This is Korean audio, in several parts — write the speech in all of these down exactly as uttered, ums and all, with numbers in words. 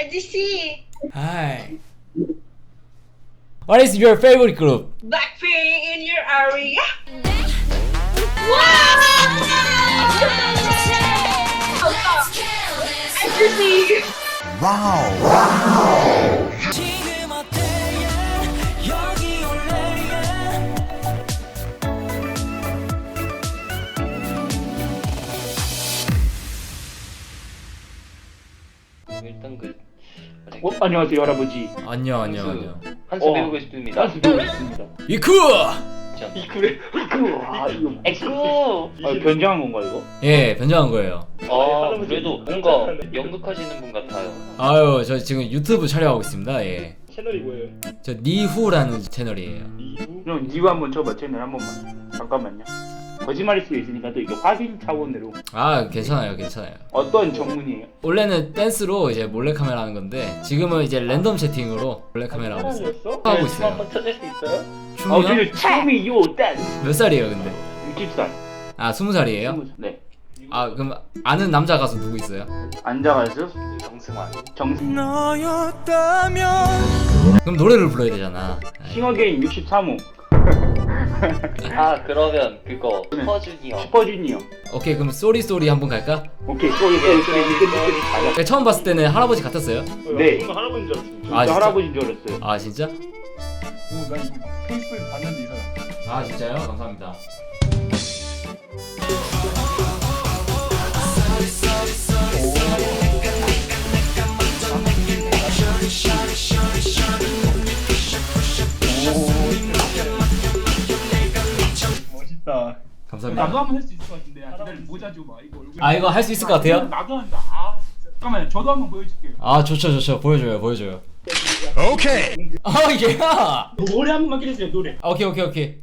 I just see Hi. What is your favorite group? Blackpink in your area. Wow! I just see. 일단 그 어, 안녕하세요 할아버지. 안녕 안녕 안녕. 한수 어. 배우고 싶습니다. 한수 배우고 싶습니다. 이쿠! 이 그래? 아 이거 에쿠. 아, 변장한 건가 이거? 예, 변장한 거예요. 아 그래도 뭔가 연극하시는 분 같아요. 아유, 저 지금 유튜브 촬영하고 있습니다. 예. 채널이 뭐예요? 저 니후라는 채널이에요. 이후? 그럼 니가 한번 쳐봐 채널 한 번만. 잠깐만요. 거짓말일 수도 있으니까 또 이게 확인 차원으로. 아, 괜찮아요, 괜찮아요. 어떤 전문이에요? 원래는 댄스로 이제 몰래카메라 하는 건데 지금은 이제 랜덤 채팅으로 몰래카메라 하고 있어요. 사람이었어? 하고 춤 있어요. 한번 쳐줄 수 있어요? 아 춤이요? 저는 춤이 요 댄스. 몇 살이에요, 근데? 육십 살. 아, 스무 살이에요? 스무 살. 네. 아, 그럼 아는 남자 가수 누구 있어요? 앉아가지고 정승환. 정 그럼 노래를 불러야 되잖아. 아이, 싱어게인 육십삼 호 아 그러면 그거 슈퍼주니어. 슈퍼주니어. 오케이, 그럼 쏘리 쏘리 한번 갈까? 오케이 쏘리 쏘리 쏘리 니끝 니끝 가자. 제가 처음 봤을 때는 할아버지 같았어요. 네. 뭔가 할아버지인 줄 알았어. 진짜 아, 진짜? 할아버지인 줄 알았어요. 아, 진짜? 오, 나 이거 페이스북에 봤는데 이 사람. 아, 진짜요? 감사합니다. 멋있다. 감사합니다. 나도 한번 할 수 있을 것 같은데. 야, 기다려 모자 줘봐. 이거 얼굴. 아, 이거 할 수 있을 것 같아요? 나도 한다. 아, 진짜. 잠깐만요. 저도 한번 보여줄게요. 아, 좋죠, 좋죠. 보여줘요, 보여줘요. 오케이. 아, 예. 노래 한 번만 기다려주세요. 노래. 아, 오케이, 오케이, 오케이.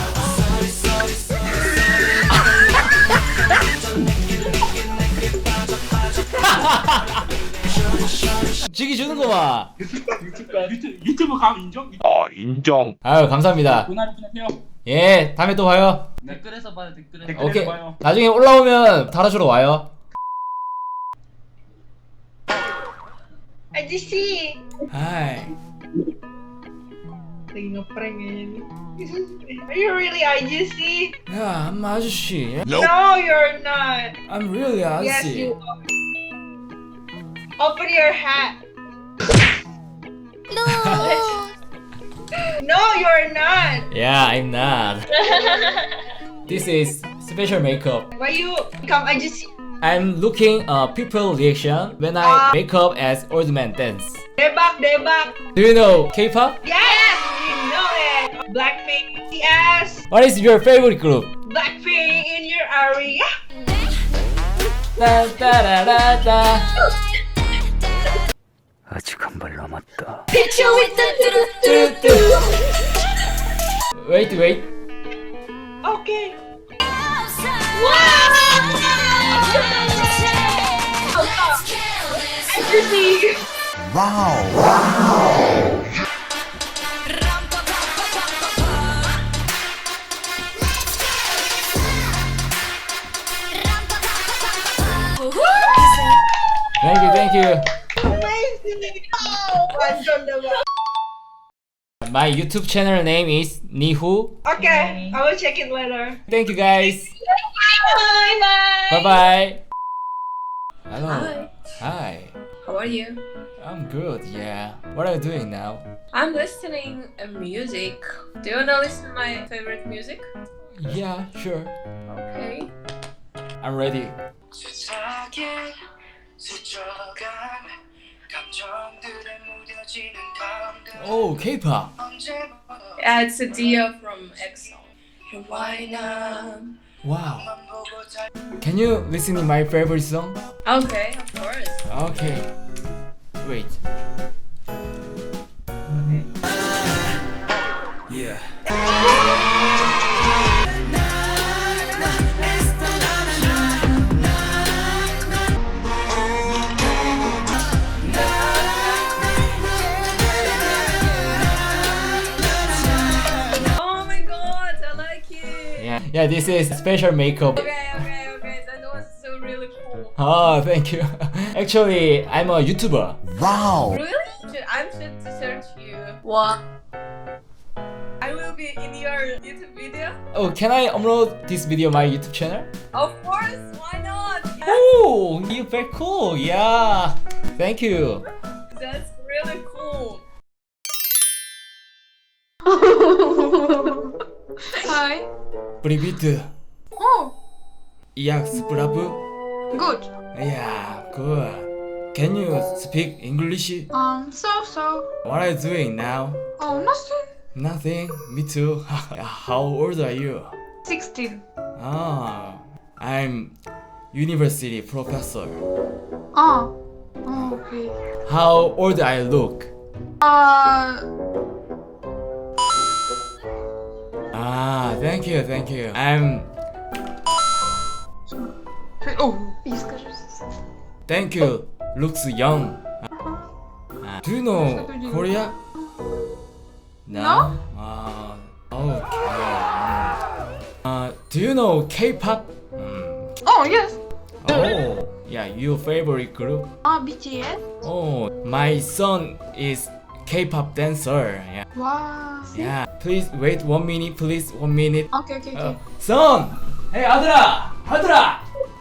주기 주는 거만. 유튜브 유튜브 유튜브 감 인정? 아 인정. 아유, 감사합니다. 고나를 끊으세요. 예, 다음에 또 봐요. 댓글에서 봐요. 댓글에서. 오케이. 댓글에서 봐요. 나중에 올라오면 달아주러 와요. I just see. Hi. Lagi ngeprank kayaknya nih. Are you really I just see? 야, I'm 아저씨. No, you're not. I'm really Yes, 아저씨. you are. Open your hat. No. No, you're not. Yeah, I'm not. This is special makeup. Why you come? I just see. I'm looking uh people reaction when I Ah. make up as old man dance. Debak, debak. Do you know K-pop? Yes, you know it. Blackpink. Yes. What is your favorite group? Blackpink in your area. Da, da, da, da, da. 아직 한 발 남았다. Picture with the 뚜, 뚜. Wait, wait. Okay. Wow. I just see. Thank you, thank you. Amazing. Oh, 완전 대박. My YouTube channel name is Nihu. Okay, I will check it later. Thank you guys. Bye bye. Bye bye. Hello. Hi. Hi. How are you? I'm good. Yeah. What are you doing now? I'm listening to music. Do you wanna listen to my favorite music? Yeah, sure. Okay. I'm ready. Oh, K-pop. Yeah, it's a Dio from EXO. Why not? Wow. Can you listen to my favorite song? Okay, of course. Okay. Wait. Yeah. Oh my god, I like it. Yeah. Yeah, this is special makeup. Okay, okay, okay. That was so really cool. Ah, thank you. Actually, I'm a YouTuber. Really? Should I should search you. What? I will be in your YouTube video. Oh, can I upload this video on my YouTube channel? Of course. Why not? Oh, you're very cool. Yeah. Thank you. That's really cool. Hi. Привет. Oh, Як справи? good. Yeah, good. Can you speak English? Um, so so. What are you doing now? Oh, nothing. Nothing. Me too. How old are you? Sixteen. Ah, I'm university professor. Oh. Oh, okay. How old I look? Uh, Ah, thank you, thank you. I'm oh, и скажи. thank you. Looks young. Ah, do you know Korea? No? Ah, okay. Uh, do you know K-pop? Mm. Oh, yes. Oh, yeah, your favorite group? Ah, B T S. Oh, my son is K-pop dancer. Yeah, Wow. yeah. Please wait one minute, please one minute. Okay, okay, 어, okay. son! Hey 아들아! 아들아!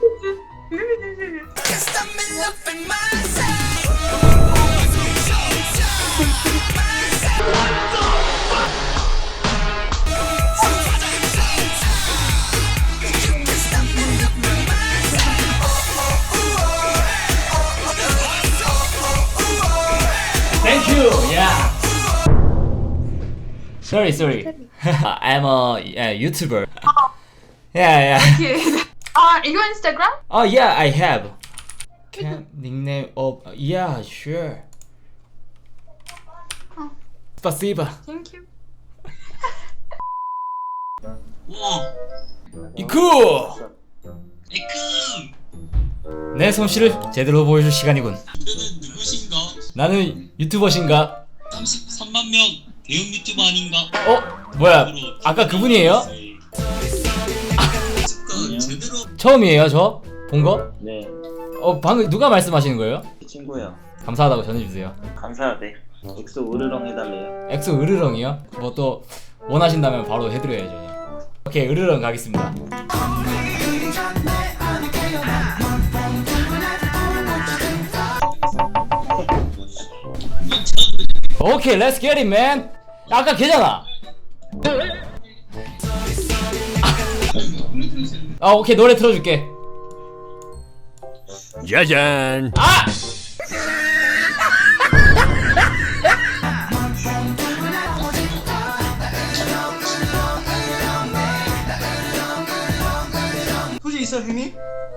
Thank you. Yeah. Sorry, sorry. I'm a yeah, YouTuber. Yeah, yeah. Okay. Uh, your Instagram? Oh yeah, I have. Can nickname of yeah, sure. Oh. Спасибо. Thank you. 이쿠. 내 솜씨를 제대로 보여줄 시간이군. 이거는 누구신가? 나는 유튜버신가? 삼십삼만 명 대형 유튜버 아닌가? 어? 뭐야? 아까 그분이에요? 습관 제대로 처음이에요, 저? 본 거? 네, 어, 방금 누가 말씀하시는 거예요? 친구야. 감사하다고 전해주세요. 감사하대. 엑소 으르렁 해달래요. 엑소 으르렁이요? 뭐 또 원하신다면 바로 해드려야죠. 오케이, 으르렁 가겠습니다. 오케이, let's get it, man. 아까 걔잖아. 아, 오케이, 노래 틀어줄게. 짜잔. 아! 소질 있어 형님?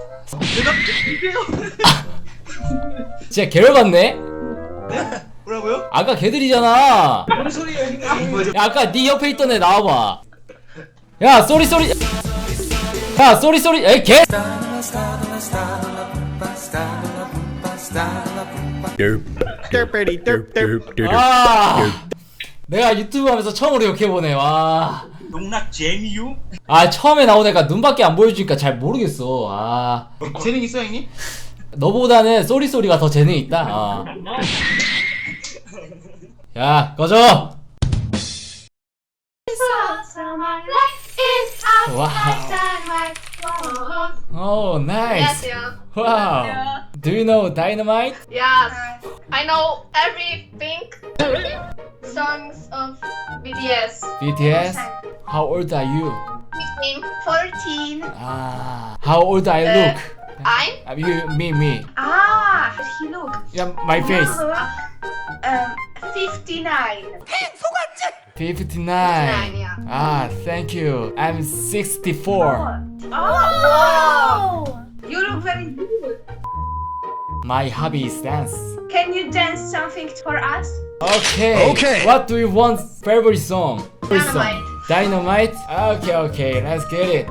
진짜 개열받네? 뭐라고요? 아까 걔들이잖아. 뭔 소리예요 형님? 야, 아까 네 옆에 있던 애 나와봐. 야, 쏘리 쏘리. 야, 쏘리 쏘리. 에이, 개. 아, 내가 유튜브 하면서 처음으로 욕해보네. 와. 농락 재미유? 아, 처음에 나온 애가 눈밖에 안 보여주니까 잘 모르겠어. 아, 재능 있어 형님? 너보다는 쏘리 쏘리가 더 재능 있다. 아. 야, 꺼져. 와우. Oh, nice. Wow. Do you know Dynamite? Yes, I know everything. Songs of B T S. B T S? How old are you? fifteen, fourteen. Ah, how old I look? I'm? Uh, you, me, me. Ah, he look. Yeah, my face. Um, fifty-nine. fifty-nine. yeah. Ah, thank you. I'm sixty-four. Oh, wow. You look very good. My hobby is dance. Can you dance something for us? Okay. Okay. What do you want? Favorite song? Favorite song. Dynamite. Dynamite? Okay, okay. Let's get it.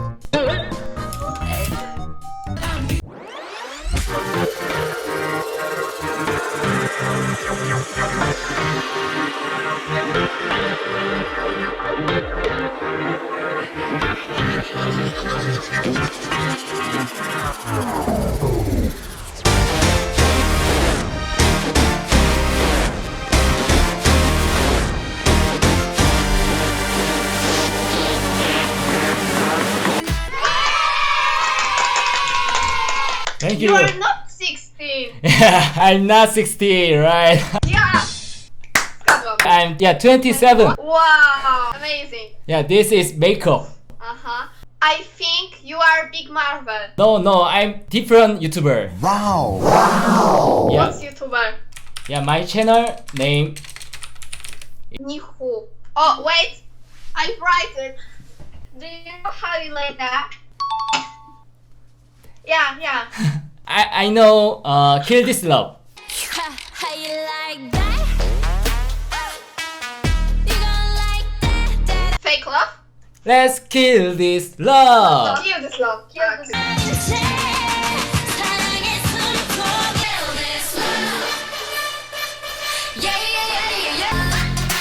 give You you. are not sixteen. I'm not sixty, right? Yeah. Zgadłam. I'm yeah twenty-seven. Wow. Amazing. Yeah, this is makeup. Uh huh. I think you are Big Marvel. No, no, I'm different YouTuber. Wow. Yeah, What's YouTuber? yeah, my channel name. Nihu. Oh wait, I write it. Do you know how you like that? Yeah, yeah. I I know. Uh, Kill This Love. How you like that? You gon' like that, that. Fake love. Let's kill this love. Kill this love. Kill this love. 사랑했으면 kill this love. Yeah, yeah, yeah, yeah, yeah.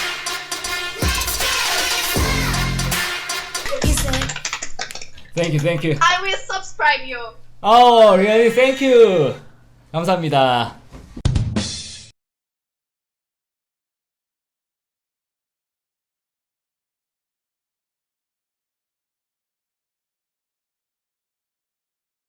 Let's kill this love. Thank you, thank you. I will subscribe you. Oh, really? Thank you. 감사합니다.